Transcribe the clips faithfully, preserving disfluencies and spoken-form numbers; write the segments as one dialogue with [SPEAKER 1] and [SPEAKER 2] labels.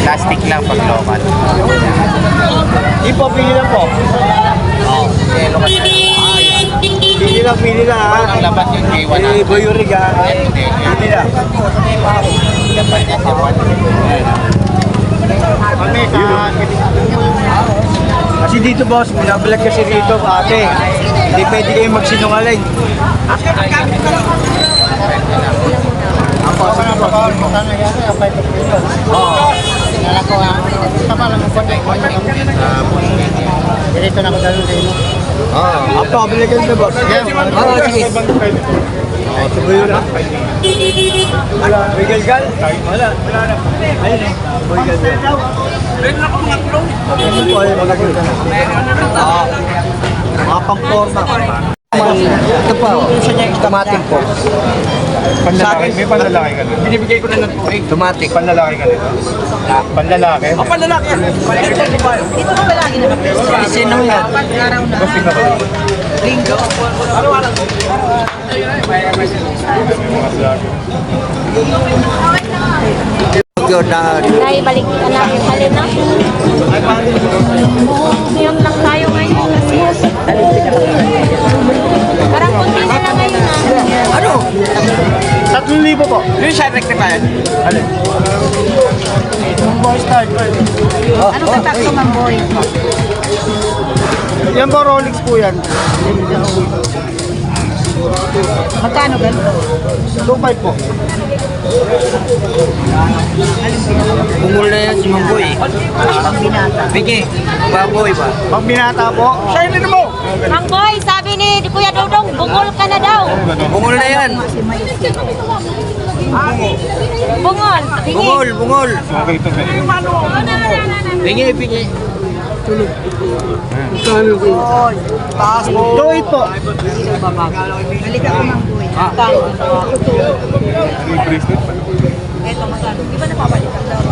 [SPEAKER 1] Plastic lang pag local.
[SPEAKER 2] Di po, pili lang po.
[SPEAKER 1] Oo. Yelo kasi.
[SPEAKER 2] Pili lang, pili lang ha.
[SPEAKER 1] Ang labat yun kay one
[SPEAKER 2] Eh,
[SPEAKER 1] hundred.
[SPEAKER 2] Boy Urig ha.
[SPEAKER 1] Hindi.
[SPEAKER 2] Pili lang.
[SPEAKER 1] Labat niya si one.
[SPEAKER 2] Kami sa... Kasi dito boss, binabalag kasi rito ate. Hindi pwede kayo magsinungaling. Ako, sige po. Oo.
[SPEAKER 3] Nala ko ha. Tama lang ang konti. Dito na ako dalo sa inyo.
[SPEAKER 2] Oo. Ako, balikan na boss. Oo, sige. Oo, tuloy yun ha. Wala, may galgal? Wala, wala na. Ayun eh, may galgal. Meron ako mga klong. Ito po ay mga galgal. Oo. Mga pang-forma. Ito po, automatic po.
[SPEAKER 4] Panlalaki, may panlalaki ka nito.
[SPEAKER 2] Binibigay ko na ng tuwing.
[SPEAKER 4] Automatic. Panlalaki ka nito. Panlalaki?
[SPEAKER 2] Ang panlalaki yan.
[SPEAKER 3] Dito ko lagi naman.
[SPEAKER 2] Sino yan?
[SPEAKER 3] Pag-araw na.
[SPEAKER 4] Kasi na kayo.
[SPEAKER 3] Linggo.
[SPEAKER 2] Ano-ano?
[SPEAKER 5] Dahil balik na natin halin na. Ngayon lang tayo ngayon. Parang kunti na lang ngayon na.
[SPEAKER 2] Ano?
[SPEAKER 4] Tatlong libo po.
[SPEAKER 2] Yung siya rectified?
[SPEAKER 4] Alin? Yung boy start.
[SPEAKER 3] Ano ka takto, Ma'am Boy?
[SPEAKER 4] Yan po, Rolex po yan.
[SPEAKER 3] Magkano ganito?
[SPEAKER 4] two five po.
[SPEAKER 2] Bungol na yan si Mamboy.
[SPEAKER 3] Pag binata.
[SPEAKER 2] Bigay. Baboy ba?
[SPEAKER 4] Pag binata po, shine din mo!
[SPEAKER 5] Mang Boy, sabi ni Kuya Dodong, bungol ka na daw.
[SPEAKER 2] Bungol na yan.
[SPEAKER 5] Bungol. Tingin.
[SPEAKER 2] Bungol, bungol.
[SPEAKER 4] Okay, ito na.
[SPEAKER 2] Bigay, bigay.
[SPEAKER 4] Taas po. two eight po.
[SPEAKER 3] Halika ko, Ma'am Boy.
[SPEAKER 4] Yung bracelet pa.
[SPEAKER 3] Ito, magkano? Di ba napapalik ang daw?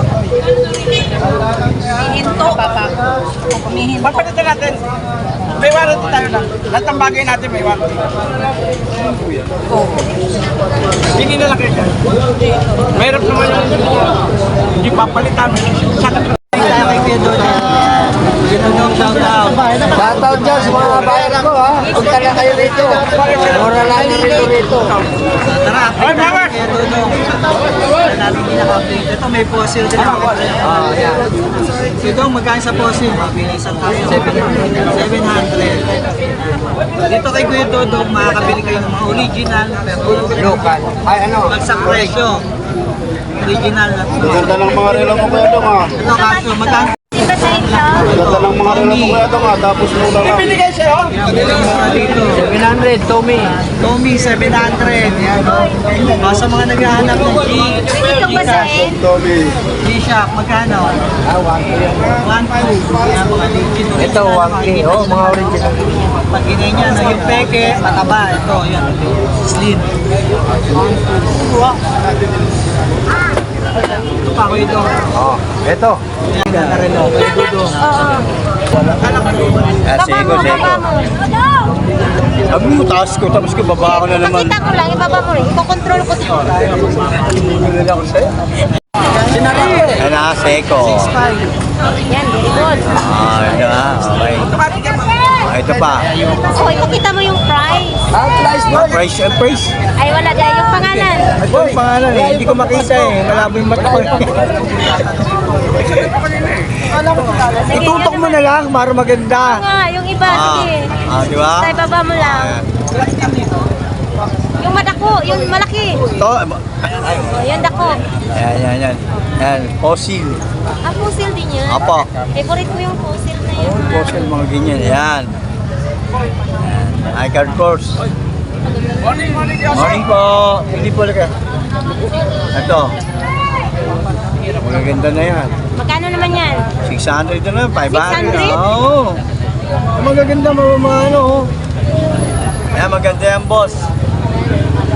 [SPEAKER 3] Hihinto. Kung kumihinto.
[SPEAKER 2] Pagpalitan natin. May warranty tayo lang. Lahat ng bagay natin may warranty. Hindi na lang kayo. Mayroon naman yung hindi papalitan. Sakit na tayo kay Kuya Dodong. Ginagawa shout out.
[SPEAKER 6] Shout out dyan sa mga bayan ko ha. Punta na kayo rito. Mura lang dito rito.
[SPEAKER 2] Tara, update tayo kay Kuya Dodong. Wala natin pinaka-update. Ito may fossil din ako. Ah, yan. So ito, magkain sa fossil. Mabilisan tayo. seven hundred. Dito kay Kuya Dodong, makakabili kayo ng mga original pero
[SPEAKER 6] Local. Ay ano?
[SPEAKER 2] bagsak presyo. Original na.
[SPEAKER 4] Ganda ng mga relo mo kaya ito nga.
[SPEAKER 2] Ito kaso, magkano?
[SPEAKER 5] Di ba sa inyo?
[SPEAKER 4] Ganda ng mga relo mo kaya ito nga. Tapos muna lang.
[SPEAKER 2] Binigay sa'yo? Dito.
[SPEAKER 6] seven hundred, Tommy.
[SPEAKER 2] Tommy, seven hundred. Yan, no? O, sa mga naghahanap ng G,
[SPEAKER 5] Pwede kang basahin.
[SPEAKER 4] Tommy.
[SPEAKER 2] G-Shock, magkano?
[SPEAKER 6] Ah, one K.
[SPEAKER 2] one two. Yan, mga legit.
[SPEAKER 6] Ito, one K. Oh, mga original.
[SPEAKER 2] Pag inay niya, no, yung peke, mataba. Ito, yan. Slim. Ito pa ako ito.
[SPEAKER 6] Oh, ito.
[SPEAKER 2] Yan, ganda rin ako. Kaya Dodong.
[SPEAKER 5] Oo.
[SPEAKER 6] Ah,
[SPEAKER 5] Baba mo, baba mo.
[SPEAKER 4] Sabi mo, taas ko. Tapos ko, baba ko na naman.
[SPEAKER 5] Pakita ko lang, ibaba mo rin. Iko-control ko dito.
[SPEAKER 4] Binili ako sa'yo.
[SPEAKER 6] Ano, Seiko.
[SPEAKER 2] six five.
[SPEAKER 5] Yan, very good.
[SPEAKER 6] Ah, ito ha. Okay. Ah, ito pa.
[SPEAKER 5] Oh, ipakita mo yung price.
[SPEAKER 4] Ah, price mo.
[SPEAKER 6] Price and price.
[SPEAKER 5] Ay, wala dahil yung pangalan.
[SPEAKER 2] Ito yung pangalan eh. Hindi ko makita eh. Malabo yung mata ko. Itutok mo na lang para maganda.
[SPEAKER 5] Oo nga, yung iba,
[SPEAKER 6] Ah,
[SPEAKER 5] sige.
[SPEAKER 6] ah, di ba?
[SPEAKER 5] Sa ibaba mo lang. Yung madako, yung malaki.
[SPEAKER 6] Ito.
[SPEAKER 5] Oh, yan dako.
[SPEAKER 6] Yan, yan, yan. Yan, fossil.
[SPEAKER 5] Ah, fossil din yan.
[SPEAKER 6] Apo.
[SPEAKER 5] Favorite ko yung fossil na yun.
[SPEAKER 6] Fossil, mga ganyan. Yan. Yan. I-card course. Morning po. Hindi po ka. Ito. Magaganda na yan.
[SPEAKER 5] Magkano naman yan?
[SPEAKER 6] six hundred na, five hundred.
[SPEAKER 5] six hundred?
[SPEAKER 6] Oo.
[SPEAKER 2] Magaganda mga mga ano. oh.
[SPEAKER 6] Yan, maganda yan, boss.